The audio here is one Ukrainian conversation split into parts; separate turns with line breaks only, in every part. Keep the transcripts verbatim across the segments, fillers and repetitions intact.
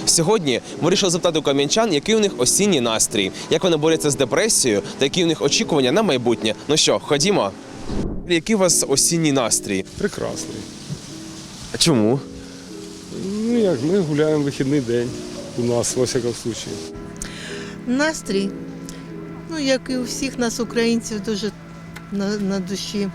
Сьогодні ми вирішили запитати у кам'янчан, який у них осінній настрій, як вони борються з депресією та які у них очікування на майбутнє. Ну що, ходімо? Який у вас осінній настрій?
Прекрасний.
А чому?
Ну як, ми гуляємо вихідний день у нас, во всякому случаю.
Настрій, ну як і у всіх нас, українців, дуже на, на душі.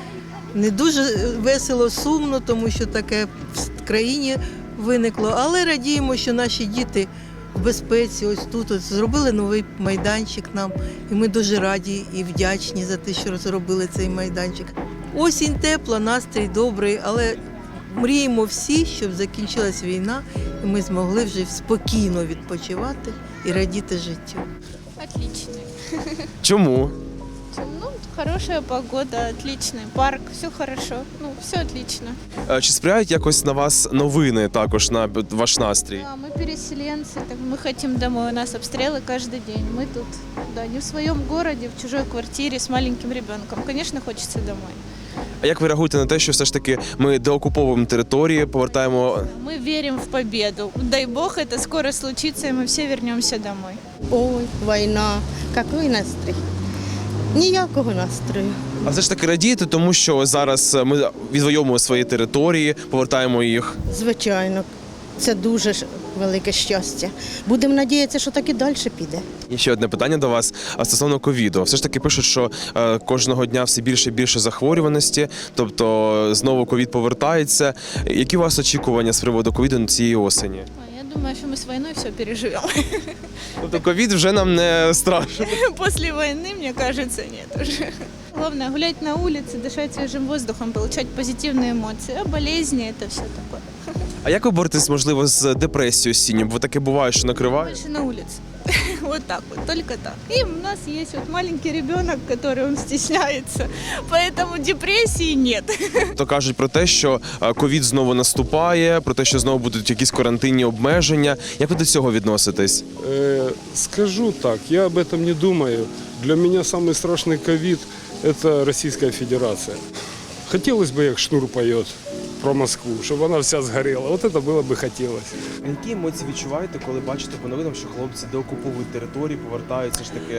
Не дуже весело, сумно, тому що таке в країні виникло, але радіємо, що наші діти в безпеці, ось тут ось, зробили новий майданчик нам, і ми дуже раді і вдячні за те, що зробили цей майданчик. Осінь тепла, настрій добрий, але мріємо всі, щоб закінчилась війна, і ми змогли вже спокійно відпочивати і радіти життю.
Отличный.
Чому?
Ну, хорошая погода, отличный парк, все хорошо. Ну, все отлично.
Е, Чи сприяють якось на вас новини також на ваш настрій?
Да, мы переселенцы, так мы хотим домой. У нас обстрелы каждый день. Мы тут, да, не в своем городе, в чужой квартире с маленьким ребенком. Конечно, хочется домой.
А як ви реагуєте на те, що все ж таки ми деокуповуємо території, повертаємо?
Мы верим в победу. Дай бог, это скоро случится, и мы все вернемся домой.
Ой, війна. Який настрій? Ніякого настрою.
А все ж таки радієте, тому що зараз ми відвоюємо свої території, повертаємо їх.
Звичайно, це дуже ж велике щастя. Будемо надіятися, що так і далі піде.
І ще одне питання до вас а стосовно ковіду. Все ж таки пишуть, що е, кожного дня все більше і більше захворюваності, тобто знову ковід повертається. Які у вас очікування з приводу ковіду на цієї осені?
Ой, я думаю, что мы с войной все переживем.
Тобто ковід вже нам не страшно.
После войны, мне кажется, нет уже. Главное гулять на улице, дышать свежим воздухом, получать позитивные эмоции. А болезни – это все такое.
А як ви боретесь, можливо, з депресією осінньою? Бо таке буває, що накриває?
Больше на улице. Вот так вот, только так. И у нас есть вот маленький ребенок, который он стесняется, поэтому депрессии нет.
То кажуть про те, що е, ковід знову наступає, про те, що знову будуть якісь карантинні обмеження. Як ви до цього відноситесь?
Э, скажу так, я об этом не думаю. Для меня самый страшный ковид – это Российская Федерация. Хотелось бы, как Шнур поет про Москву, чтобы она вся сгорела. Вот это было бы хотелось.
Які емоції відчуваєте, коли бачите по новинам, що хлопці деокуповують території, повертаються ж таки?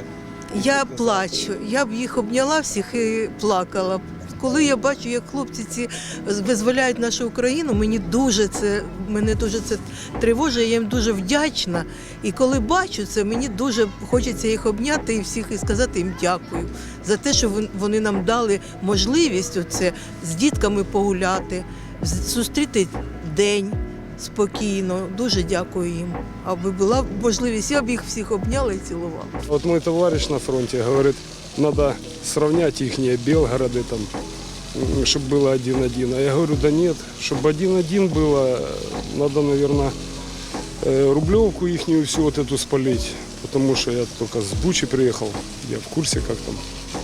Я плачу, я б їх обняла всіх і плакала. Коли я бачу, як хлопці ці визволяють нашу Україну, мені дуже це, мене дуже це тривожить, я їм дуже вдячна. І коли бачу це, мені дуже хочеться їх обняти і всіх і сказати їм дякую за те, що вони нам дали можливість оце з дітками погуляти, зустріти день спокійно. Дуже дякую їм. Аби була можливість, я б їх всіх обняла і цілувала.
Вот мой товарищ на фронте говорит, надо сравнять их Белгороды, там, чтобы было один-один. А я говорю, да нет, чтобы один-один было, надо, наверное, Рублевку ихнюю всю вот эту спалить, потому что я только с Бучи приехал, я в курсе, как там.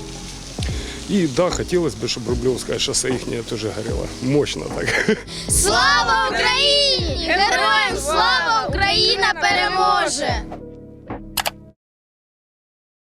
И да, хотелось бы, чтобы Рублевское шоссе ихнее тоже горело. Мощно так.
Слава Україні! Героям слава! Україна переможе!